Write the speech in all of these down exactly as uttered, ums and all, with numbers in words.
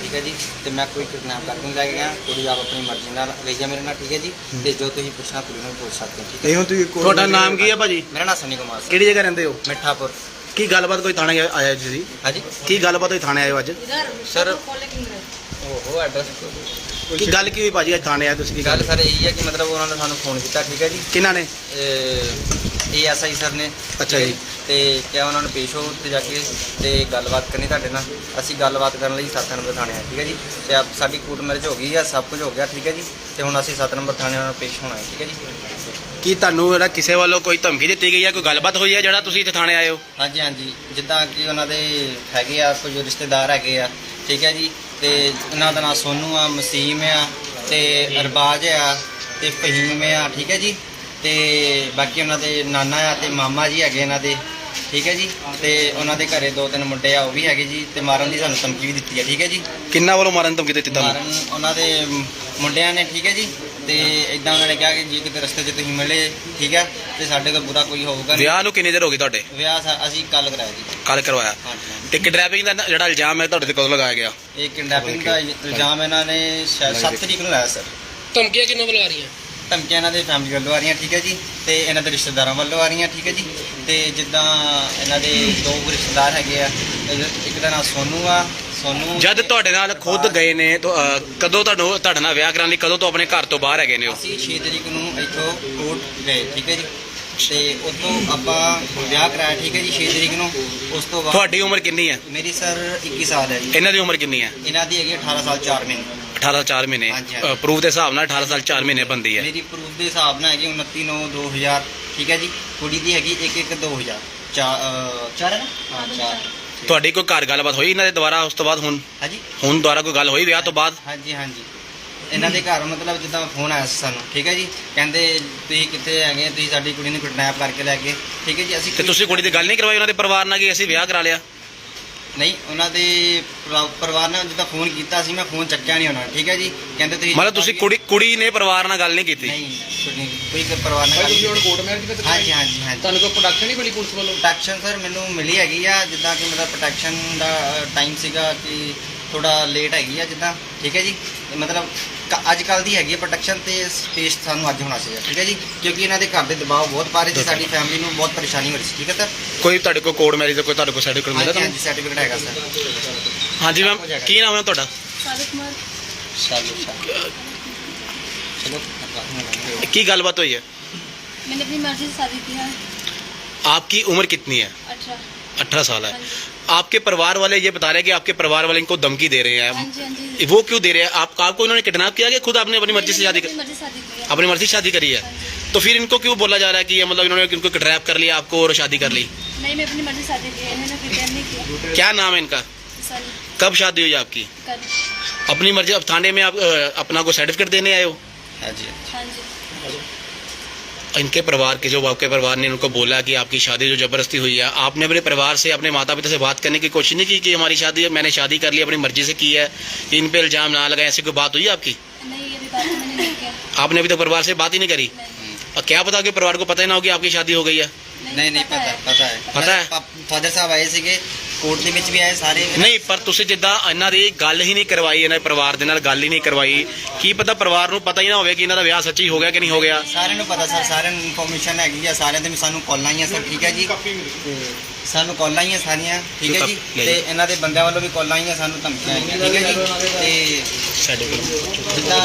ठीक है जी। तो मैं कोई किडनैप करके नहीं लैके गया, कुड़ी आप अपनी मर्जी नाल गई है मेरे नाल, ठीक है जी। तो जो तुसीं पुछना कुड़ी नूं पुछ सकते हो, ठीक है। ਇਹ ਹੁਣ ਤੁਸੀਂ ਕੋਲ- ਤੁਹਾਡਾ ਨਾਮ ਕੀ ਹੈ ਭਾਜੀ? मेरा नाम सनी कुमार सर, ਕਿਹੜੀ ਜਗ੍ਹਾ ਰਹਿੰਦੇ ਹੋ? मिठापुर। ਕੀ ਗੱਲਬਾਤ ਕੋਈ ਥਾਣੇ ਆਇਆ ਜੀ? हाँ जी ਕੀ ਗੱਲਬਾਤ ਹੋਈ ਥਾਣੇ ਆਏ ਹੋ ਅੱਜ? सर, ओहो एड्रैस ਕੀ ਗੱਲ ਕੀ ਹੋਈ ਭਾਜੀ ਅੱਜ ਥਾਣੇ ਆਏ ਤੁਸੀਂ? ਕੀ गल ਗੱਲ सर यही है कि मतलब उन्होंने सानू फोन किया, ठीक है जी। ਕਿਹਨਾਂ ਨੇ? ए एस आई सर ने, ਅੱਛਾ ਜੀ। ਤੇ ਕਿਹਾ ਉਹਨਾਂ ਨੂੰ ਪੇਸ਼ ਹੋ ਉੱਤੇ ਜਾ ਕੇ ਤੇ ਗੱਲਬਾਤ ਕਰਨੀ ਤੁਹਾਡੇ ਨਾਲ। ਅਸੀਂ ਗੱਲਬਾਤ ਕਰਨ ਲਈ ਸੱਤ ਨੰਬਰ ਥਾਣੇ ਆਏ, ਠੀਕ ਹੈ ਜੀ। ਤੇ ਆਪ ਸਾਡੀ ਕੋਰਟ ਮੈਰਿਜ ਹੋ ਗਈ ਆ, ਸਭ ਕੁਝ ਹੋ ਗਿਆ, ਠੀਕ ਹੈ ਜੀ। ਤੇ ਹੁਣ ਅਸੀਂ ਸੱਤ ਨੰਬਰ ਥਾਣੇ ਉਹਨਾਂ ਨੂੰ ਪੇਸ਼ ਹੋਣਾ ਹੈ, ਠੀਕ ਹੈ ਜੀ। ਕੀ ਤੁਹਾਨੂੰ ਜਿਹੜਾ ਕਿਸੇ ਵੱਲੋਂ ਕੋਈ ਧਮਕੀ ਦਿੱਤੀ ਗਈ ਹੈ, ਕੋਈ ਗੱਲਬਾਤ ਹੋਈ ਹੈ ਜਿਹੜਾ ਤੁਸੀਂ ਇੱਥੇ ਥਾਣੇ ਆਏ ਹੋ? ਹਾਂਜੀ ਹਾਂਜੀ, ਜਿੱਦਾਂ ਕਿ ਉਹਨਾਂ ਦੇ ਹੈਗੇ ਆ ਕੁਝ ਰਿਸ਼ਤੇਦਾਰ ਹੈਗੇ ਆ, ਠੀਕ ਹੈ ਜੀ। ਤੇ ਇਹਨਾਂ ਦਾ ਨਾਂ ਸੋਨੂ ਆ, ਮਸੀਮ ਆ, ਤੇ ਅਰਬਾਜ ਆ, ਤੇ ਫਹੀਮ ਆ, ਠੀਕ ਹੈ ਜੀ। ਤੇ ਬਾਕੀ ਉਹਨਾਂ ਦੇ ਨਾਨਾ ਆ ਤੇ ਮਾਮਾ ਜੀ ਹੈਗੇ ਇਹਨਾਂ ਦੇ, ਠੀਕ ਹੈ ਜੀ। ਤੇ ਉਹਨਾਂ ਦੇ ਘਰੇ ਦੋ ਤਿੰਨ ਮੁੰਡੇ ਆ, ਉਹ ਵੀ ਹੈਗੇ ਜੀ। ਤੇ ਮਾਰਨ ਦੀ ਸਾਨੂੰ ਧਮਕੀ ਵੀ ਦਿੱਤੀ ਹੈ, ਠੀਕ ਹੈ ਜੀ। ਕਿੰਨਾ ਵੱਲੋਂ ਮਾਰਨ ਦੀ ਧਮਕੀ ਦਿੱਤੀ ਤੁਹਾਨੂੰ? ਮਾਰਨ ਉਹਨਾਂ ਦੇ ਮੁੰਡਿਆਂ ਨੇ, ਠੀਕ ਹੈ ਜੀ। ਤੇ ਇਦਾਂ ਉਹਨਾਂ ਨੇ ਕਿਹਾ ਕਿ ਜੇ ਕਿਤੇ ਰਸਤੇ 'ਚ ਤੁਸੀਂ ਮਿਲੇ, ਠੀਕ ਹੈ, ਤੇ ਸਾਡੇ ਕੋਲ ਬੁਰਾ ਕੋਈ ਹੋਊਗਾ ਨਹੀਂ। ਵਿਆਹ ਨੂੰ ਕਿੰਨੀ ਦੇਰ ਹੋ ਗਈ ਤੁਹਾਡੇ? ਵਿਆਹ ਸਾ- ਅਸੀਂ ਕੱਲ ਕਰਾਇਆ ਜੀ। ਕੱਲ ਕਰਵਾਇਆ। ਹਾਂਜੀ ਹਾਂਜੀ। ਤੇ ਕਿਡਨੈਪਿੰਗ ਦਾ ਜਿਹੜਾ ਇਲਜ਼ਾਮ ਹੈ ਤੁਹਾਡੇ ਤੇ ਕਦੋਂ ਲਗਾਇਆ ਗਿਆ? ਇਹ ਕਿਡਨੈਪਿੰਗ ਦਾ ਇਲਜ਼ਾਮ ਇਹਨਾਂ ਨੇ ਸ਼ਾਇਦ ਸੱਤ ਤਰੀਕ ਨੂੰ ਲਾਇਆ ਸਰ। ਧਮਕੀਆਂ ਕਿੰਨੋਂ ਵੱਲੋਂ ਆ ਰਹੀਆਂ? ਧਮਕੀਆਂ ਇਹਨਾਂ ਦੇ ਫੈਮਿਲੀ ਵੱਲੋਂ ਆ ਰਹੀਆਂ, ਠੀਕ ਹੈ ਜੀ। ਤੇ ਇਹਨਾਂ ਦੇ ਰਿਸ਼ਤੇਦਾਰਾਂ ਵੱਲੋਂ ਆ ਰਹੀਆਂ, ਠੀਕ ਹੈ ਜੀ। ਤੇ ਜਿੱਦਾਂ ਇਹਨਾਂ ਦੇ ਦੋ ਰਿਸ਼ਤੇਦਾਰ ਹੈਗੇ ਆ, ਇੱਕ ਦਾ ਨਾਮ ਸੋਨੂ ਆ, ਸੋਨੂ। ਜਦ ਤੁਹਾਡੇ ਨਾਲ ਖੁਦ ਗਏ ਨੇ ਤਾਂ ਅਹ, ਕਦੋਂ ਤੁਹਾਨੂੰ ਤੁਹਾਡੇ ਨਾਲ ਵਿਆਹ ਕਰਾਉਣ ਲਈ ਕਦੋਂ ਤੋਂ ਆਪਣੇ ਘਰ ਤੋਂ ਬਾਹਰ ਹੈਗੇ ਨੇ ਉਹ? ਅਸੀਂ ਛੇ ਤਰੀਕ ਨੂੰ ਇੱਥੋਂ ਕੋਰਟ ਗਏ, ਠੀਕ ਹੈ ਜੀ। ਤੇ ਉੱਥੋਂ ਆਪਾਂ ਵਿਆਹ ਕਰਾਇਆ, ਠੀਕ ਹੈ ਜੀ, ਛੇ ਤਰੀਕ ਨੂੰ। ਉਸ ਤੋਂ ਬਾਅਦ ਤੁਹਾਡੀ ਉਮਰ ਕਿੰਨੀ ਹੈ? ਮੇਰੀ ਸਰ ਇੱਕੀ ਸਾਲ ਹੈ ਜੀ। ਇਹਨਾਂ ਦੀ ਉਮਰ ਕਿੰਨੀ ਹੈ? ਇਹਨਾਂ ਦੀ ਹੈਗੀ ਅਠਾਰਾਂ ਸਾਲ ਚਾਰ ਮਹੀਨੇ। ਅਠਾਰਾਂ ਚਾਰ ਮਹੀਨੇ। ਹਾਂਜੀ, ਹਾਂਜੀ। ਪ੍ਰੂਫ ਦੇ ਹਿਸਾਬ ਨਾਲ ਅਠਾਰਾਂ ਸਾਲ ਚਾਰ ਮਹੀਨੇ ਬੰਦੀ ਹੈ। ਮੇਰੀ ਪ੍ਰੂਫ ਦੇ ਹਿਸਾਬ ਨਾਲ ਹੈਗੀ ਉਨੱਤੀ ਨੌ ਦੋ ਹਜ਼ਾਰ, ਠੀਕ ਹੈ ਜੀ। ਕੁੜੀ ਦੀ ਹੈਗੀ ਇੱਕ ਇੱਕ ਦੋ ਹਜ਼ਾਰ ਚਾਰ ਚਾਰ ਹੈ ਨਾ? ਹਾਂ ਚਾਰ। ਤੁਹਾਡੀ ਕੋਈ ਘਰ ਗੱਲਬਾਤ ਹੋਈ ਇਹਨਾਂ ਦੇ ਦੁਆਰਾ ਉਸ ਤੋਂ ਬਾਅਦ? ਹੁਣ ਹਾਂਜੀ ਹੁਣ ਦੁਆਰਾ ਕੋਈ ਗੱਲ ਹੋਈ ਵਿਆਹ ਤੋਂ ਬਾਅਦ? ਹਾਂਜੀ ਹਾਂਜੀ। ਇਹਨਾਂ ਦੇ ਘਰ ਮਤਲਬ ਜਿੱਦਾਂ ਫੋਨ ਆਇਆ ਸੀ ਸਾਨੂੰ, ਠੀਕ ਹੈ ਜੀ। ਕਹਿੰਦੇ ਤੁਸੀਂ ਕਿੱਥੇ ਹੈਗੇ, ਤੁਸੀਂ ਸਾਡੀ ਕੁੜੀ ਨੂੰ ਕਿਡਨੈਪ ਕਰਕੇ ਲੈ ਗਏ, ਠੀਕ ਹੈ ਜੀ। ਅਸੀਂ ਤੇ ਤੁਸੀਂ ਕੁੜੀ ਦੀ ਗੱਲ ਨਹੀਂ ਕਰਵਾਈ ਉਹਨਾਂ ਦੇ ਪਰਿਵਾਰ ਨਾਲ ਕਿ ਅਸੀਂ ਵਿਆਹ ਕਰਾ ਲਿਆ? ਨਹੀਂ, ਉਹਨਾਂ ਦੇ ਪਰਿਵਾ- ਪਰਿਵਾਰ ਨੇ ਜਿੱਦਾਂ ਫੋਨ ਕੀਤਾ ਸੀ, ਮੈਂ ਫੋਨ ਚੱਕਿਆ ਨਹੀਂ ਉਹਨਾਂ ਨੇ, ਠੀਕ ਹੈ ਜੀ। ਕਹਿੰਦੇ ਤੁਸੀਂ ਮਤਲਬ ਤੁਸੀਂ ਕੁੜੀ ਕੁੜੀ ਨੇ ਪਰਿਵਾਰ ਨਾਲ ਗੱਲ ਨਹੀਂ ਕੀਤੀ? ਨਹੀਂ, ਕੁੜੀ- ਕੋਈ ਪਰਿਵਾਰ ਨਾਲ ਗੱਲ ਨਹੀਂ। ਕੋਰਟ ਮੈਰਿਜ ਵਿੱਚ ਹਾਂਜੀ ਹਾਂਜੀ ਹਾਂਜੀ। ਤੁਹਾਨੂੰ ਕੋਈ ਪ੍ਰੋਟੈਕਸ਼ਨ ਨਹੀਂ ਮਿਲੀ ਪੁਲਿਸ ਵੱਲੋਂ? ਪ੍ਰੋਟੈਕਸ਼ਨ ਸਰ ਮੈਨੂੰ ਮਿਲੀ ਹੈਗੀ ਆ, ਜਿੱਦਾਂ ਕਿ ਮੇਰਾ ਪ੍ਰੋਟੈਕਸ਼ਨ ਦਾ ਟਾਈਮ ਸੀਗਾ ਕਿ ਥੋੜਾ ਲੇਟ ਹੈਗੀ ਆ ਜਿੱਦਾਂ, ਠੀਕ ਹੈ ਜੀ। ਮਤਲਬ ਕ- ਅੱਜ ਕੱਲ੍ਹ ਦੀ ਹੈਗੀ ਆ ਪ੍ਰੋਟੈਕਸ਼ਨ, ਤੇ ਸਪੇਸ ਸਾਨੂੰ ਅੱਜ ਹੋਣਾ ਚਾਹੀਦਾ, ਠੀਕ ਹੈ ਜੀ। ਕਿਉਂਕਿ ਇਹਨਾਂ ਦੇ ਘਰ ਦੇ ਦਬਾਅ ਬਹੁਤ ਪਾ ਰਹੇ ਸੀ, ਸਾਡੀ ਫੈਮਿਲੀ ਨੂੰ ਬਹੁਤ ਪਰੇਸ਼ਾਨੀ ਹੋ ਰਹੀ ਸੀ, ਠੀਕ ਹੈ ਸਰ। ਕੋਈ ਤੁਹਾਡੇ ਕੋਲ ਕੋਰਟ ਮੈਰਿਜ ਦਾ ਕੋਈ ਤੁਹਾਡੇ ਕੋਲ ਸਰਟੀਫਿਕੇਟ ਮਿਲਦਾ ਹਾਂਜੀ ਤੁਹਾਨੂੰ? ਹਾਂਜੀ, ਸਰਟੀਫਿਕੇਟ ਹੈਗਾ ਸਰ। ਹਾਂਜੀ ਮੈਮ, ਕੀ ਨਾਮ ਹੈ ਤੁਹਾਡਾ? सादिक कुमार। ਚਲੋ चलो ਕੀ ਗੱਲਬਾਤ ਹੋਈ ਹੈ? मैंने अपनी मर्जी से शादी की है। आपकी उम्र कितनी है? अठारह। अठारह साल है। हाँ जी। आपके परिवार वाले ये बता रहे हैं कि आपके परिवार वाले इनको धमकी दे रहे हाँ हैं, जी हाँ जी। वो क्यों दे रहे हैं? आप आपको इन्होंने किडनैप किया कि खुद आपने अपनी मर्जी से शादी अपनी कर, मर्जी से शादी की है। अपनी मर्जी से शादी करी है? हाँ जी। तो फिर इनको क्यों बोला जा रहा है कि ये मतलब इन्होंने इनको किडनैप कर लिया आपको और शादी कर ली? नहीं, मैं अपनी मर्जी से शादी की है, इन्होंने प्रिपेयर नहीं किया। क्या नाम है इनका? सनी। कब शादी हुई आपकी? कर। अपनी मर्जी। अब थाने में आप अ, अपना को सर्टिफिकेट देने आए हो? हाँ जी। हाँ जी। इनके परिवार के जो आपके परिवार ने उनको बोला कि आपकी शादी जो जबरदस्ती हुई है, आपने अपने परिवार से अपने माता पिता से बात करने की कोशिश नहीं की कि हमारी शादी मैंने शादी कर ली अपनी मर्जी से की है, इन पे इल्जाम ना लगाए, ऐसी कोई बात हुई है आपकी? नहीं, ये भी बात मैंने नहीं किया। आपने अभी तक परिवार से बात ही नहीं करी? नहीं। और क्या पता कि परिवार को पता ही ना हो कि आपकी शादी हो गई है? नहीं नहीं पता पता है पता है? फादर साहब आए ਸੀਗੇ, ਕੋਰਟ ਦੇ ਵਿੱਚ ਵੀ ਆਏ ਸਾਰੇ। ਨਹੀਂ, ਪਰ ਤੁਸੀਂ ਜਿੱਦਾਂ ਇਹਨਾਂ ਦੀ ਗੱਲ ਹੀ ਨਹੀਂ ਕਰਵਾਈ, ਇਹਨਾਂ ਦੇ ਪਰਿਵਾਰ ਦੇ ਨਾਲ ਗੱਲ ਹੀ ਨਹੀਂ ਕਰਵਾਈ, ਕੀ ਪਤਾ ਪਰਿਵਾਰ ਨੂੰ ਪਤਾ ਹੀ ਨਾ ਹੋਵੇ ਕਿ ਇਹਨਾਂ ਦਾ ਵਿਆਹ ਸੱਚੀ ਹੋ ਗਿਆ ਕਿ ਨਹੀਂ ਹੋ ਗਿਆ? ਸਾਰਿਆਂ ਨੂੰ ਪਤਾ ਸਰ, ਸਾਰਿਆਂ ਨੂੰ ਇਨਫੋਰਮੇਸ਼ਨ ਹੈਗੀ ਆ, ਸਾਰਿਆਂ ਦੇ ਵੀ ਸਾਨੂੰ ਕਾਲਾਂ ਆਈਆਂ ਸਰ, ਠੀਕ ਹੈ ਜੀ। ਤੇ ਸਾਨੂੰ ਕਾਲਾਂ ਆਈਆਂ ਸਾਰੀਆਂ, ਠੀਕ ਹੈ ਜੀ। ਤੇ ਇਹਨਾਂ ਦੇ ਬੰਦਿਆਂ ਵੱਲੋਂ ਵੀ ਕਾਲਾਂ ਆਈਆਂ, ਸਾਨੂੰ ਧਮਕੀਆਂ ਆਈਆਂ, ਠੀਕ ਹੈ ਜੀ। ਤੇ ਸਾਡੇ ਕੋਲ ਜਿੱਦਾਂ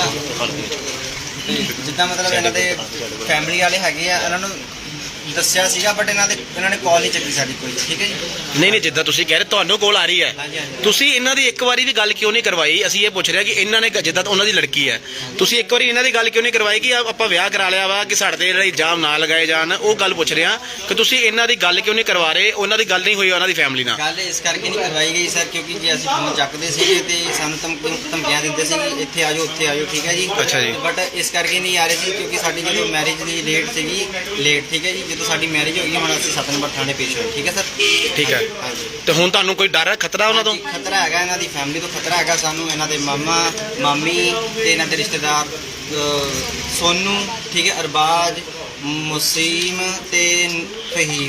ਤੇ ਜਿੱਦਾਂ ਮਤਲਬ ਇਹਨਾਂ ਦੇ ਫੈਮਿਲੀ ਵਾਲੇ ਹੈਗੇ ਆ, ਇਹਨਾਂ ਨੂੰ ਦੱਸਿਆ ਸੀਗਾ, ਬਟ ਇਹਨਾਂ ਦੇ ਇਹਨਾਂ ਨੇ ਕਾਲ ਨਹੀਂ ਚੱਕੀ ਸਾਡੀ ਕੋਈ, ਠੀਕ ਹੈ ਜੀ। ਨਹੀਂ ਨਹੀਂ, ਜਿੱਦਾਂ ਤੁਸੀਂ ਕਹਿ ਰਹੇ ਤੁਹਾਨੂੰ ਕੋਲ ਆ ਰਹੀ ਹੈ, ਹਾਂਜੀ ਹਾਂਜੀ। ਤੁਸੀਂ ਇਹਨਾਂ ਦੀ ਇੱਕ ਵਾਰੀ ਵੀ ਗੱਲ ਕਿਉਂ ਨਹੀਂ ਕਰਵਾਈ? ਅਸੀਂ ਇਹ ਪੁੱਛ ਰਹੇ ਹਾਂ ਕਿ ਇਹਨਾਂ ਨੇ ਜਿੱਦਾਂ ਉਹਨਾਂ ਦੀ ਲੜਕੀ ਹੈ, ਤੁਸੀਂ ਇੱਕ ਵਾਰੀ ਇਹਨਾਂ ਦੀ ਗੱਲ ਕਿਉਂ ਨਹੀਂ ਕਰਵਾਈ ਕਿ ਆ- ਆਪਾਂ ਵਿਆਹ ਕਰਾ ਲਿਆ ਵਾ, ਕਿ ਸਾਡੇ ਤੇ ਜਿਹੜੇ ਇਲਜ਼ਾਮ ਨਾ ਲਗਾਏ ਜਾਣ? ਉਹ ਗੱਲ ਪੁੱਛ ਰਹੇ ਹਾਂ ਕਿ ਤੁਸੀਂ ਇਹਨਾਂ ਦੀ ਗੱਲ ਕਿਉਂ ਨਹੀਂ ਕਰਵਾ ਰਹੇ? ਉਹਨਾਂ ਦੀ ਗੱਲ ਨਹੀਂ ਹੋਈ ਉਹਨਾਂ ਦੀ ਫੈਮਿਲੀ ਨਾਲ? ਗੱਲ ਇਸ ਕਰਕੇ ਨਹੀਂ ਕਰਵਾਈ ਗਈ ਸਰ, ਕਿਉਂਕਿ ਜੇ ਅਸੀਂ ਫੋਨ ਚੱਕਦੇ ਸੀਗੇ ਤੇ ਸਾਨੂੰ ਧਮਕੀ ਧਮਕੀਆਂ ਦਿੰਦੇ ਸੀ ਕਿ ਇੱਥੇ ਆ ਜਾਓ ਉੱਥੇ ਆ ਜਾਓ, ਠੀਕ ਹੈ ਜੀ। ਅੱਛਾ ਜੀ। ਬਟ ਇਸ ਕਰਕੇ ਨਹੀਂ ਆ ਰਹੇ ਸੀ ਕਿਉਂਕਿ ਸਾਡੀ ਜਦੋਂ ਮੈਰਿਜ ਦੀ ਡੇਟ ਸੀਗੀ ਲੇਟ, ਠੀਕ ਹੈ ਜੀ। ਜਦੋਂ ਸਾਡੀ ਮੈਰਿਜ ਹੋ ਗਈ, ਹੁਣ ਅਸੀਂ ਸੱਤ ਨੰਬਰ ਥਾਣੇ ਪੇਸ਼ ਹੋਏ, ਠੀਕ ਹੈ ਸਰ। ਠੀਕ ਹੈ। ਹਾਂਜੀ। ਤੇ ਹੁਣ ਤੁਹਾਨੂੰ ਕੋਈ ਡਰ ਹੈ, ਖਤਰਾ ਉਹਨਾਂ ਤੋਂ? ਹਾਂਜੀ, ਖਤਰਾ ਹੈਗਾ, ਇਹਨਾਂ ਦੀ ਫੈਮਿਲੀ ਤੋਂ ਖਤਰਾ ਹੈਗਾ ਸਾਨੂੰ, ਇਹਨਾਂ ਦੇ ਮਾਮਾ ਮਾਮੀ ਤੇ ਇਹਨਾਂ ਦੇ ਰਿਸ਼ਤੇਦਾਰ ਅਹ, ਸੋਨੂ, ਠੀਕ ਹੈ, ਅਰਬਾਜ, ਮੁਸੀਮ ਤੇ ਫਹੀਮ,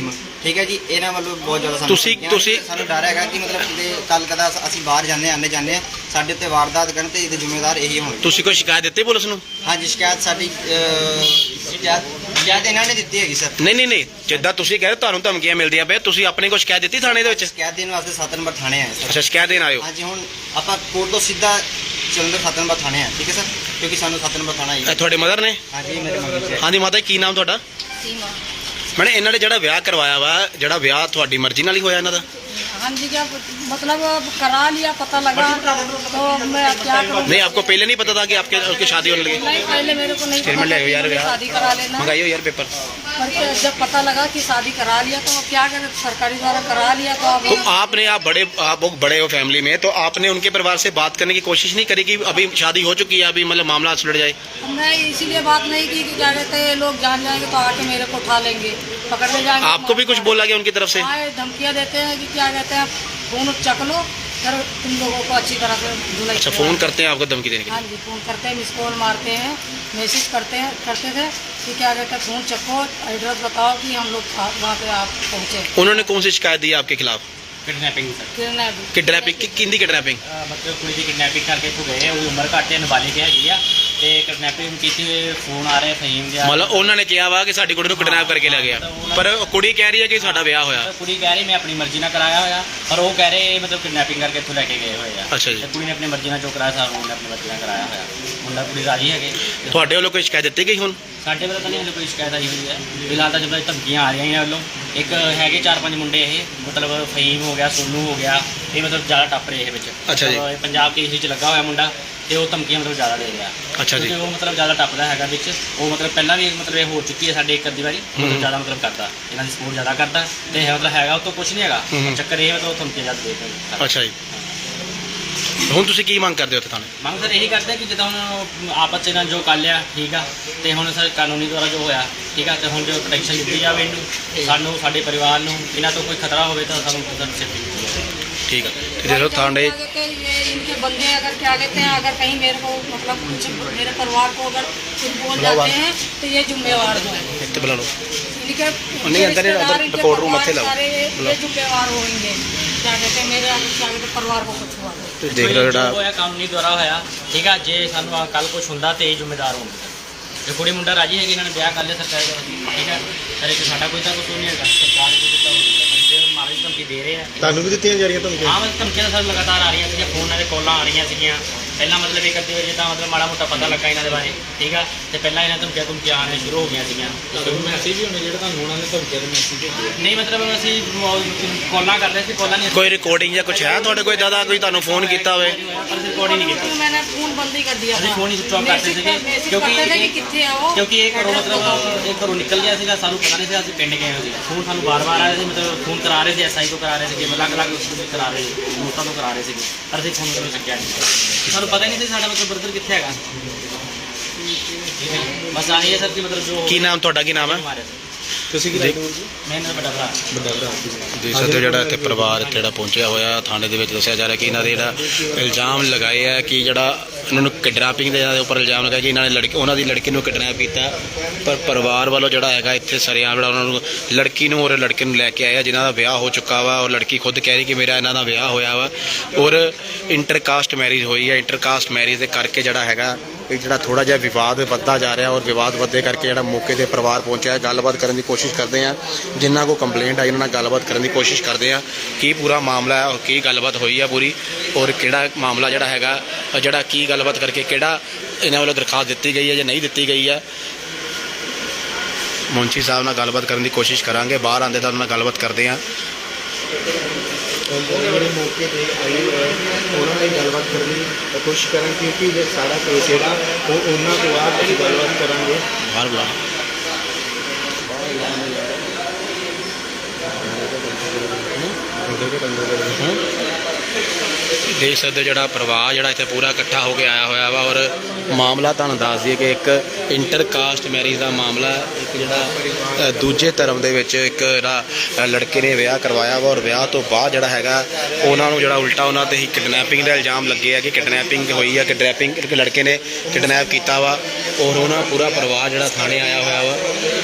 ਠੀਕ ਹੈ ਜੀ। ਇਹਨਾਂ ਵੱਲੋਂ ਬਹੁਤ ਜ਼ਿਆਦਾ ਸਾਨੂੰ ਤੁਸੀਂ- ਧਮਕੀਆਂ, ਤੁਸੀਂ- ਸਾਨੂੰ ਡਰ ਹੈਗਾ ਕਿ ਮਤਲਬ ਕਿ ਕੱਲ ਕਦਾ ਅਸੀਂ ਬਾਹਰ ਜਾਂਦੇ ਆਉਂਦੇ ਜਾਂਦੇ ਹਾਂ, ਸਾਡੇ ਉੱਤੇ ਵਾਰਦਾਤ ਕਰਨ ਤੇ ਇਹਦੇ ਜ਼ਿੰਮੇਵਾਰ ਇਹੀ ਹੋਣਗੇ। ਤੁਸੀਂ ਕੋਈ ਸ਼ਿਕਾਇਤ ਦਿੱਤੀ ਪੁਲਿਸ ਨੂੰ? ਹਾਂਜੀ, ਸ਼ਿਕਾਇਤ ਸਾਡੀ ਅਹ, ਸ਼ਿਕਾਇਤ ਸ਼ਿਕਾਇਤ ਇਹਨਾਂ ਨੇ ਦਿੱਤੀ ਹੈਗੀ ਸਰ। ਨਹੀਂ ਨਹੀਂ ਨਹੀਂ, ਜਿੱਦਾਂ ਤੁਸੀਂ ਕਹਿ ਰਹੇ ਤੁਹਾਨੂੰ ਧਮਕੀਆਂ ਮਿਲਦੀਆਂ ਪਏ, ਤੁਸੀਂ ਆਪਣੇ ਕੋਲ ਸ਼ਿਕਾਇਤ ਦਿੱਤੀ ਥਾਣੇ ਦੇ ਵਿੱਚ? ਸ਼ਿਕਾਇਤ ਦੇਣ ਵਾਸਤੇ ਸੱਤ ਨੰਬਰ ਥਾਣੇ ਆਏ ਸਰ। ਅੱਛਾ, ਸ਼ਿਕਾਇਤ ਦੇਣ ਆਇਓ। ਹਾਂਜੀ, ਹੁਣ ਆਪਾਂ ਕੋਰਟ ਤੋਂ ਸਿੱਧਾ ਜਲੰਧਰ ਸੱਤ ਨੰਬਰ ਥਾਣੇ ਆ, ਠੀਕ ਹੈ ਸਰ, ਕਿਉਂਕਿ ਸਾਨੂੰ ਸੱਤ ਨੰਬਰ ਥਾਣਾ ਹੀ ਇਹ ਤੁਹਾਡੇ ਮਦਰ ਨੇ? ਹਾਂਜੀ, ਮੇਰੇ ਮੰਮੀ ਜੀ। ਹਾਂਜੀ ਮਾਤਾ ਜੀ, ਕੀ ਨਾਮ ਤੁਹਾਡਾ? सीमा। ਮੈਨੇ ਇਹਨਾਂ ਨੇ ਜਿਹੜਾ ਵਿਆਹ ਕਰਵਾਇਆ ਵਾ, ਜਿਹੜਾ ਵਿਆਹ ਤੁਹਾਡੀ ਮਰਜ਼ੀ ਨਾਲ ਹੀ ਹੋਇਆ ਇਹਨਾਂ ਦਾ? हाँ जी, क्या मतलब अब करा लिया, पता लगा तो मैं क्या करूँ? नहीं, आपको पहले नहीं पता था कि आपके उसकी शादी होने लगी? नहीं, पहले मेरे को नहीं फिर पता मैं ले था आयो यार कि यार। शादी करा लेना। मंगाइयो यार पेपर। पर जब पता लगा कि शादी करा लिया तो अब क्या करें, सरकारी द्वारा करा लिया तो अब तो आपने, आप बड़े आप लोग बड़े हो फैमिली में, तो आपने उनके परिवार से बात करने की कोशिश नहीं करी कि अभी शादी हो चुकी है, अभी मतलब मामला सुलझ जाए? मैं इसीलिए बात नहीं की कि क्या कहते हैं, लोग जान जाएंगे तो आके मेरे को उठा लेंगे, पकड़ने जाएंगे। आपको भी कुछ बोला गया उनकी तरफ से? आए धमकियाँ देते हैं कि क्या कहते हैं, फोन चक लो, फिर तुम लोगों को अच्छी तरह से धुलाई अच्छा, करवा- फोन करते हैं आपको धमकी देने के हाँ लिए? जी, फोन करते हैं, मिस कॉल मारते हैं, मैसेज करते हैं करते थे कि क्या कहते हैं, फोन चको, एड्रेस बताओ कि हम लोग आ- वहाँ पे आप पहुँचे। उन्होंने कौन सी शिकायत दी आपके खिलाफ? किडनैपिंग सर किडनैप किडनैपिंग की किंदी किडनैपिंग? ਅਹ ਮਤਲਬ ਕੁੜੀ ਦੀ ਕਿਡਨੈਪਿੰਗ ਕਰਕੇ ਇੱਥੋਂ ਗਏ ਉਹ ਉਮਰ ਘੱਟ ਹੈ, ਨਾਬਾਲਿਗ ਹੈਗੀ ਆ ਤੇ ਕਿਡਨੈਪਿੰਗ ਕੀਤੀ ਹੋਈ ਫੋਨ ਆ ਰਿਹਾ ਫਹੀਮ ਦੇ ਆ ਮਤਲਬ ਉਹਨਾਂ ਨੇ ਕਿਹਾ ਵਾ ਕਿ ਸਾਡੀ ਕੁੜੀ ਨੂੰ ਕਿਡਨੈਪ ਕਰਕੇ ਲੈ ਗਿਆ, ਪਰ ਕੁੜੀ ਕਹਿ ਰਹੀ ਹੈ ਕਿ ਸਾਡਾ ਵਿਆਹ ਹੋਇਆ। ਤਾਂ ਕੁੜੀ ਕਹਿ ਰਹੀ ਮੈਂ ਆਪਣੀ ਮਰਜ਼ੀ ਨਾਲ ਕਰਾਇਆ ਹੋਇਆ, ਪਰ ਉਹ ਕਹਿ ਰਹੇ ਮਤਲਬ ਕਿਡਨੈਪਿੰਗ ਕਰਕੇ ਇੱਥੋਂ ਲੈ ਕੇ ਗਏ ਹੋਏ ਆ। ਅੱਛਾ ਜੀ। ਤੇ ਕੁੜੀ ਨੇ ਆਪਣੀ ਮਰਜ਼ੀ ਨਾਲ ਜੋ ਕਰਾਇਆ ਸਾਰਾ ਉਹਨੇ ਆਪਣੀ ਮਰਜ਼ੀ ਨਾਲ ਕਰਾਇਆ ਹੋਇਆ। ਮੁੰਡਾ ਕੁੜੀ ਰਾਜੀ ਹੈਗੇ। ਤੇ ਤੁਹਾਡੇ ਵੱਲੋਂ ਕੋਈ ਸ਼ਿਕਾਇਤ ਦਿੱਤੀ ਗਈ ਹੁਣ? ਸਾਡੇ ਵੱਲੋਂ ਤਾਂ ਨਹੀਂ ਹਲੇ ਕੋਈ ਸ਼ਿਕਾਇਤ ਆਈ ਹੋਈ ਹੈ ਫਿਲਹਾਲ ਤਾਂ ਜਦੋਂ ਧਮਕੀਆਂ ਆ ਰਹੀਆਂ ਇਹਨਾਂ ਵੱਲੋਂ। ਇੱਕ ਹੈਗੇ ਚਾਰ ਪੰਜ ਮੁੰਡੇ ਇਹ ਮਤਲਬ ਫਹੀਮ ਹੋ ਗਿਆ, ਸੋਨੂ ਹੋ ਗਿਆ, ਇਹ ਮਤਲਬ ਜ਼ਿਆਦਾ ਟੱਪ ਰਹੇ ਇਹ ਵਿੱਚ। ਅੱਛਾ ਜੀ। ਮਤਲਬ ਇਹ ਪੰਜਾਬ ਕੇਸ 'ਚ ਲੱਗਾ ਹੋਇਆ ਮੁੰਡਾ ਤੇ ਉਹ ਧਮਕੀਆਂ ਮਤਲਬ ਜ਼ਿਆਦਾ ਦੇ ਰਿਹਾ। ਅੱਛਾ ਜੀ। ਕਿਉਂਕਿ ਉਹ ਮਤਲਬ ਜ਼ਿਆਦਾ ਟੱਪਦਾ ਹੈਗਾ ਵਿੱਚ। ਉਹ ਮਤਲਬ ਪਹਿਲਾਂ ਵੀ ਮਤਲਬ ਇਹ ਹੋ ਚੁੱਕੀ ਹੈ ਸਾਡੇ ਇੱਕ ਅੱਧੀ ਵਾਰੀ। ਹੂੰ। ਮਤਲਬ ਜ਼ਿਆਦਾ ਮਤਲਬ ਕਰਦਾ ਇਹਨਾਂ ਦੀ ਸਪੋਰਟ ਜ਼ਿਆਦਾ ਕਰਦਾ ਤੇ ਇਹ ਮਤਲਬ ਹੈਗਾ ਉਹ ਤੋਂ ਕੁਝ ਨਹੀਂ ਹੈਗਾ। ਹੂੰ। ਚੱਕਰ ਇਹ ਮਤਲਬ ਉਹ ਧਮਕੀਆਂ ਜ਼ਿਆਦਾ ਦੇ ਦਿੰਦਾ। ਅੱਛਾ ਜੀ। ਹੁਣ ਤੁਸੀਂ ਕੀ ਮੰਗ ਕਰਦੇ ਹੋ ਉੱਥੇ ਥਾਣੇ? ਮੰਗ ਸਰ ਇਹੀ ਕਰਦੇ ਕਿ ਜਿੱਦਾਂ ਹੁਣ ਆਪਸ 'ਚ ਇਹਨਾਂ ਜੋ ਕਰ ਲਿਆ ਠੀਕ ਆ ਤੇ ਹੁਣ ਸਰ ਕਾਨੂੰਨੀ ਦੁਆਰਾ ਜੋ ਹੋਇਆ ਠੀਕ ਆ ਤੇ ਹੁਣ ਜੋ ਪ੍ਰੋਟੈਕਸ਼ਨ ਦਿੱਤੀ ਜਾਵੇ ਇਹਨੂੰ, ਸਾਨੂੰ ਸਾਡੇ ਪਰਿਵਾਰ ਨੂੰ ਇਹਨਾਂ ਤੋਂ ਕੋਈ ਖਤਰਾ ਹੋਵੇ ਤਾਂ ਸਾਨੂੰ ਸਰ ਸੇਫਟੀ ਦਿੱਤੀ ਜਾਵੇ। ठीक है, तो देखो थाने क्या कहते हैं, ये इनके बंदे अगर क्या कहते हैं, अगर कहीं मेरे को मतलब कुछ मेरे परिवार को अगर कुछ बोल जाते हैं तो ये जिम्मेवार हो। इत्ते बुला लो। इनके नहीं, अंदर ही- रिश्तेदार, अंदर इनके कोर्ट रूम परिवार मथे लाओ। सारे ये जिम्मेवार होंगे। क्या कहते हैं, मेरे अगर क्या कहते हैं, परिवार को कुछ हुआ तो। देख लो जो ਜਿਹੜਾ ਹੋਇਆ ਕਾਨੂੰਨੀ ਦੁਆਰਾ ਹੋਇਆ ਠੀਕ ਆ। ਜੇ ਸਾਨੂੰ ਕੱਲ ਕੁਝ ਹੁੰਦਾ ਤੇ ਇਹ ਜ਼ਿੰਮੇਦਾਰ ਹੋਣਗੇ। ਜੇ ਕੁੜੀ ਮੁੰਡਾ ਰਾਜੀ ਹੈਗੇ ਇਹਨਾਂ ਨੇ ਵਿਆਹ ਕਰ ਲਿਆ ਸਰਕਾਰੀ ਦਾ ਠੀਕ ਆ, ਪਰ ਇਹ 'ਚ ਸਾਡਾ ਕੋਈ ਤਾਂ ਕੁਝ ਨਹੀਂ ਹੈਗਾ। ਸਰਕਾਰ ਨੇ ਕੋਈ ਤਾਂ ਬੰਦੇ ਮਾਰੇ ਧਮਕੀ ਦੇ ਰਹੇ ਆ। ਤੁਹਾਨੂੰ ਵੀ ਦਿੱਤੀਆਂ ਜਾ ਰਹੀਆਂ ਧਮਕੀਆਂ? ਹਾਂ ਮਤਲਬ ਧਮਕੀਆਂ ਤਾਂ ਸਰ ਲਗਾਤਾਰ ਆ ਰਹੀਆਂ ਸੀਗੀਆਂ, ਫੋਨਾਂ ਦੇ ਕਾਲਾਂ ਆ ਰਹੀਆਂ ਸੀਗੀਆਂ। ਪਹਿਲਾਂ ਮਤਲਬ ਇੱਕ ਅੱਧੀ ਵਾਰ ਜਿੱਦਾਂ ਮਤਲਬ ਮਾੜਾ ਮੋਟਾ ਪਤਾ ਲੱਗਾ ਇਹਨਾਂ ਦੇ ਬਾਰੇ ਠੀਕ ਆ ਤੇ ਪਹਿਲਾਂ ਇਹਨਾਂ ਧਮਕੀਆਂ ਧਮਕੀਆਂ ਆਉਣੀਆਂ ਸ਼ੁਰੂ ਹੋ ਗਈਆਂ ਸੀਗੀਆਂ। ਮੈਸੇਜ ਵੀ ਹੁੰਦੇ ਜਿਹੜਾ ਤੁਹਾਨੂੰ ਉਹਨਾਂ ਨੇ ਧਮਕੀਆਂ ਦੇ ਮੈਸੇਜ ਭੇਜੇ? ਨਹੀਂ ਮਤਲਬ ਅਸੀਂ ਕਾਲਾਂ ਕਰ ਰਹੇ ਸੀ, ਕਾਲਾਂ ਨਹੀਂ कोई रिकॉर्डिंग या कुछ है ਤੁਹਾਡੇ ਕੋਈ ਦਾਦਾ ਕੋਈ ਤੁਹਾਨੂੰ ਫੋਨ ਕੀਤਾ ਹੋਵੇ? ਪਰ ਅਸੀਂ ਰਿਕਾਰਡ ਹੀ ਨਹੀਂ ਕੀਤੀ। मैंने फोन बंद ही कर दिया ਅਸੀਂ था। ਫੋਨ ਹੀ ਸਵਿਚ ਆਫ ਕਰਤੇ ਸੀਗੇ मैसेज ਕਿਉਂਕਿ करते थे कि ਇਹ- कितने आओ, ਕਿਉਂਕਿ ਇਹ ਘਰੋਂ ਮਤਲਬ ਇਹ ਘਰੋਂ ਨਿਕਲ ਗਿਆ ਸੀਗਾ, ਸਾਨੂੰ ਪਤਾ ਨਹੀਂ ਸੀ ਅਸੀਂ ਪਿੰਡ ਗਏ ਹੋਏ ਸੀ। ਫੋਨ ਸਾਨੂੰ ਬਾਰ-ਬਾਰ ਆ ਰਹੇ ਸੀ, ਮਤਲਬ ਫੋਨ ਕਰਾ ਰਹੇ ਸੀ, ਐਸਆਈ ਤੋਂ ਕਰਾ ਰਹੇ ਸੀਗੇ, ਅਲੱਗ-ਅਲੱਗ ਉਸ ਤੋਂ ਕਰਾ ਰਹੇ ਸੀ, ਦੋਸਤਾਂ ਤੋਂ ਕਰਾ ਰਹੇ ਸੀਗੇ, ਪਰ ਅਸੀਂ ਫੋਨ ਤੋਂ ਚੱਕਿਆ ਨਹੀਂ। ਸਾਨੂੰ ਪਤਾ ਹੀ ਨਹੀਂ ਸੀ ਸਾਡਾ ਮਤਲਬ ਬਰਦਰ ਕਿੱਥੇ ਹੈਗਾ। ਠੀਕ ਹੈ ਬਸ ਆਹੀ ਹੈ ਸਰ ਕਿ ਮਤਲਬ ਜੋ ਕੀ ਨਾਮ ਤੁਹਾਡਾ, ਕੀ ਨਾਮ ਹੈ? ਮਾਰਿਆ ਸਰ। ਤੁਸੀਂ ਕੀ ਲੱਗਦੇ ਹੋ ਜੀ? ਮੈਂ ਇਹਨਾਂ ਦਾ ਵੱਡਾ ਭਰਾ। ਵੱਡਾ ਭਰਾ। ਦੇਖ ਸਕਦੇ ਹੋ ਜਿਹੜਾ ਇੱਥੇ ਪਰਿਵਾਰ ਇੱਥੇ ਜਿਹੜਾ ਪਹੁੰਚਿਆ ਹੋਇਆ ਥਾਣੇ ਦੇ ਵਿੱਚ ਦੱਸਿਆ ਜਾ ਰਿਹਾ ਕਿ ਇਹਨਾਂ ਦੇ ਜਿਹੜਾ ਇਲਜ਼ਾਮ ਲਗਾਏ ਆ ਕਿ ਜਿਹੜਾ ਇਹਨਾਂ ਨੂੰ ਕਿਡਨੈਪਿੰਗ ਦੇ ਇਹਨਾਂ ਦੇ ਉੱਪਰ ਇਲਜ਼ਾਮ ਲਗਾਇਆ ਕਿ ਇਹਨਾਂ ਨੇ ਲੜਕੀ ਉਹਨਾਂ ਦੀ ਲੜਕੀ ਨੂੰ ਕਿਡਨੈਪ ਕੀਤਾ, ਪਰ ਪਰਿਵਾਰ ਵੱਲੋਂ ਜਿਹੜਾ ਹੈਗਾ ਇੱਥੇ ਸਰੇਆਮ ਜਿਹੜਾ ਉਹਨਾਂ ਨੂੰ ਲੜਕੀ ਨੂੰ ਔਰ ਲੜਕੇ ਨੂੰ ਲੈ ਕੇ ਆਇਆ ਜਿਨ੍ਹਾਂ ਦਾ ਵਿਆਹ ਹੋ ਚੁੱਕਾ ਵਾ ਔਰ ਲੜਕੀ ਖੁਦ ਕਹਿ ਰਹੀ ਕਿ ਮੇਰਾ ਇਹਨਾਂ ਦਾ ਵਿਆਹ ਹੋਇਆ ਵਾ ਔਰ ਇੰਟਰਕਾਸਟ ਮੈਰਿਜ ਹੋਈ ਹੈ। ਇੰਟਰਕਾਸਟ ਮੈਰਿਜ ਦੇ ਕਰਕੇ ਜਿਹੜਾ ਹੈਗਾ ਇਹ ਜਿਹੜਾ ਥੋੜਾ ਜਿਹਾ ਵਿਵਾਦ ਵੱਧਦਾ ਜਾ ਰਿਹਾ ਔਰ ਵਿਵਾਦ ਵੱਧਦੇ ਕਰਕੇ ਜਿਹੜਾ ਮੌਕੇ ਤੇ ਪਰਿਵਾਰ ਪਹੁੰਚਿਆ ਗੱਲਬਾਤ ਕਰਨ ਦੀ ਕੋਸ਼ਿਸ਼ ਕਰਦੇ ਆ। ਜਿਨ੍ਹਾਂ ਕੋ ਕੰਪਲੇਂਟ ਆਈ ਉਹਨਾਂ ਨਾਲ ਗੱਲਬਾਤ ਕਰਨ ਦੀ ਕੋਸ਼ਿਸ਼ ਕਰਦੇ ਆ ਕੀ ਪੂਰਾ ਮਾਮਲਾ ਹੈ ਔਰ ਕੀ ਗੱਲਬਾਤ ਹੋਈ ਆ ਪੂਰੀ ਔਰ ਕਿਹੜਾ ਮਾਮਲਾ ਜਿਹੜਾ ਹੈਗਾ ਜਿਹੜਾ ਕੀ ਗੱਲਬਾਤ ਕਰਕੇ ਕਿਹੜਾ ਇਹਨਾਂ ਵੱਲੋਂ ਦਰਖਾਸਤ ਦਿੱਤੀ ਗਈ ਹੈ ਜਾਂ ਨਹੀਂ ਦਿੱਤੀ ਗਈ ਹੈ। ਮੁੰਸ਼ੀ ਸਾਹਿਬ ਨਾਲ ਗੱਲਬਾਤ ਕਰਨ ਦੀ ਕੋਸ਼ਿਸ਼ ਕਰਾਂਗੇ, ਬਾਹਰ ਆਉਂਦੇ ਤਾਂ ਉਹਨਾਂ ਨਾਲ ਗੱਲਬਾਤ ਕਰਦੇ ਆ। ਜਿਹੜੇ ਮੌਕੇ ਤੇ ਆਏ ਹੋਏ ਉਹਨਾਂ ਨਾਲ ਗੱਲਬਾਤ ਕਰਨ ਦੀ ਕੋਸ਼ਿਸ਼ ਕਰਾਂ ਕਿਉਂਕਿ ਜੇ ਸਾਰਾ ਕੇਸ ਜਿਹੜਾ ਉਹ ਉਹਨਾਂ ਤੋਂ ਬਾਅਦ ਅਸੀਂ ਗੱਲਬਾਤ ਕਰਾਂਗੇ। ਬਾਹਰ ਬੁਲਾ ਦੇਖ ਸਕਦੇ ਹੋ ਜਿਹੜਾ ਪਰਿਵਾਰ ਜਿਹੜਾ ਇੱਥੇ ਪੂਰਾ ਇਕੱਠਾ ਹੋ ਕੇ ਆਇਆ ਹੋਇਆ ਵਾ ਔਰ ਮਾਮਲਾ ਤੁਹਾਨੂੰ ਦੱਸ ਦਈਏ ਕਿ ਇੱਕ ਇੰਟਰਕਾਸਟ ਮੈਰਿਜ ਦਾ ਮਾਮਲਾ ਹੈ। ਇੱਕ ਜਿਹੜਾ ਅ, ਦੂਜੇ ਧਰਮ ਦੇ ਵਿੱਚ ਇੱਕ ਜਿਹੜਾ ਅ, ਲੜਕੇ ਨੇ ਵਿਆਹ ਕਰਵਾਇਆ ਵਾ ਔਰ ਵਿਆਹ ਤੋਂ ਬਾਅਦ ਜਿਹੜਾ ਹੈਗਾ ਉਹਨਾਂ ਨੂੰ ਜਿਹੜਾ ਉਲਟਾ ਉਹਨਾਂ ਤੇ ਹੀ ਕਿਡਨੈਪਿੰਗ ਦਾ ਇਲਜ਼ਾਮ ਲੱਗੇ ਆ ਕਿ ਕਿਡਨੈਪਿੰਗ ਹੋਈ ਆ, ਕਿਡਨੈਪਿੰਗ ਇੱਕ ਲੜਕੇ ਨੇ ਕਿਡਨੈਪ ਕੀਤਾ ਵਾ ਔਰ ਉਹਨਾਂ ਪੂਰਾ ਪਰਿਵਾਰ ਜਿਹੜਾ ਥਾਣੇ ਆਇਆ ਹੋਇਆ ਵਾ।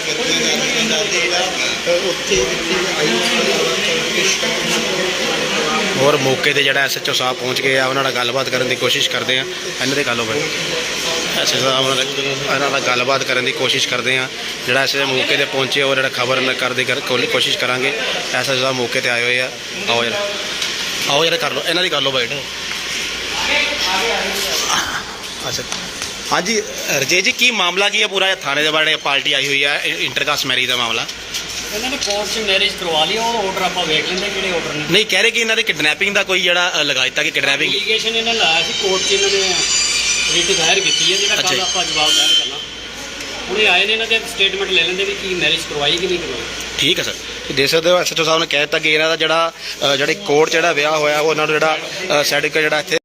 ਔਰ ਮੌਕੇ ਤੇ ਜਿਹੜਾ ਐਸਐਚਓ ਸਾਹਿਬ ਪਹੁੰਚ ਗਏ ਆ, ਉਹਨਾਂ ਨਾਲ ਗੱਲਬਾਤ ਕਰਨ ਦੀ ਕੋਸ਼ਿਸ਼ ਕਰਦੇ ਆ। ਇਹਨਾਂ ਦੇ ਗੱਲ ਹੋਵੇ ਐਸਐਚਓ ਸਾਹਿਬ ਉਹਨਾਂ ਨਾਲ ਇਹਨਾਂ ਨਾਲ ਗੱਲਬਾਤ ਕਰਨ ਦੀ ਕੋਸ਼ਿਸ਼ ਕਰਦੇ ਆ। ਜਿਹੜਾ ਐਸਐਚਓ ਮੌਕੇ ਤੇ ਪਹੁੰਚੇ ਉਹ ਜਿਹੜਾ ਖਬਰ ਕਰਦੇ ਕਰ ਕੋਸ਼ਿਸ਼ ਕਰਾਂਗੇ। ਐਸਐਚਓ ਸਾਹਿਬ ਮੌਕੇ ਤੇ ਆਏ ਹੋਏ ਆ। ਆਓ ਯਾਰ ਆਓ ਯਾਰ ਕਰ ਲਓ ਇਹਨਾਂ ਦੀ ਕਰ ਲਓ ਬਾਈਟ। ਅੱਛਾ ਹਾਂਜੀ ਰਜੇ ਜੀ ਕੀ ਮਾਮਲਾ ਕੀ ਹੈ ਪੂਰਾ ਥਾਣੇ ਦੇ ਬਾਰੇ ਪਾਰਟੀ ਆਈ ਹੋਈ ਹੈ ਇੰਟਰਕਾਸਟ ਮੈਰਿਜ ਦਾ ਮਾਮਲਾ? ਇਹਨਾਂ ਨੇ ਕੋਰਟ 'ਚ ਮੈਰਿਜ ਕਰਵਾ ਲਈ ਉਹ ਆਰਡਰ ਆਪਾਂ ਵੇਖ ਲੈਂਦੇ ਕਿਹੜੇ ਆਰਡਰ ਨੇ। ਨਹੀਂ ਕਹਿ ਰਹੇ ਕਿ ਇਹਨਾਂ ਦੇ ਕਿਡਨੈਪਿੰਗ ਦਾ ਕੋਈ ਜਿਹੜਾ ਅ, ਲਗਾ ਦਿੱਤਾ ਕਿ ਕਿਡਨੈਪਿੰਗ ਐਪਲੀਕੇਸ਼ਨ ਇਹਨਾਂ ਲਾਇਆ ਸੀ ਕੋਰਟ 'ਚ, ਇਹਨਾਂ ਨੇ ਰਿਟ ਦਾਇਰ ਕੀਤੀ ਹੈ ਜਿਹੜਾ ਅੱਛਾ ਕੱਲ ਜੀ। ਆਪਾਂ ਜਵਾਬ ਦਾਇਰ ਕਰਨਾ। ਹੁਣੇ ਆਏ ਨੇ ਇਹਨਾਂ ਦੇ ਸਟੇਟਮੈਂਟ ਲੈ ਲੈਂਦੇ ਵੀ ਕੀ ਮੈਰਿਜ ਕਰਵਾਈ ਕਿ ਨਹੀਂ ਕਰਵਾਈ। ਠੀਕ ਹੈ ਸਰ ਦੇਖ ਸਕਦੇ ਹੋ ਐਸਐਚਓ ਸਾਹਿਬ ਨੇ ਕਹਿ ਦਿੱਤਾ ਕਿ ਇਹਨਾਂ ਦਾ ਜਿਹੜਾ ਅ, ਜਿਹੜੇ ਕੋਰਟ 'ਚ ਜਿਹੜਾ ਵਿਆਹ ਹੋਇਆ ਉਹ ਉਹਨਾਂ ਨੂੰ ਜਿਹੜਾ ਸਰਟੀਫਿਕੇਟ ਜਿਹੜਾ ਇੱਥੇ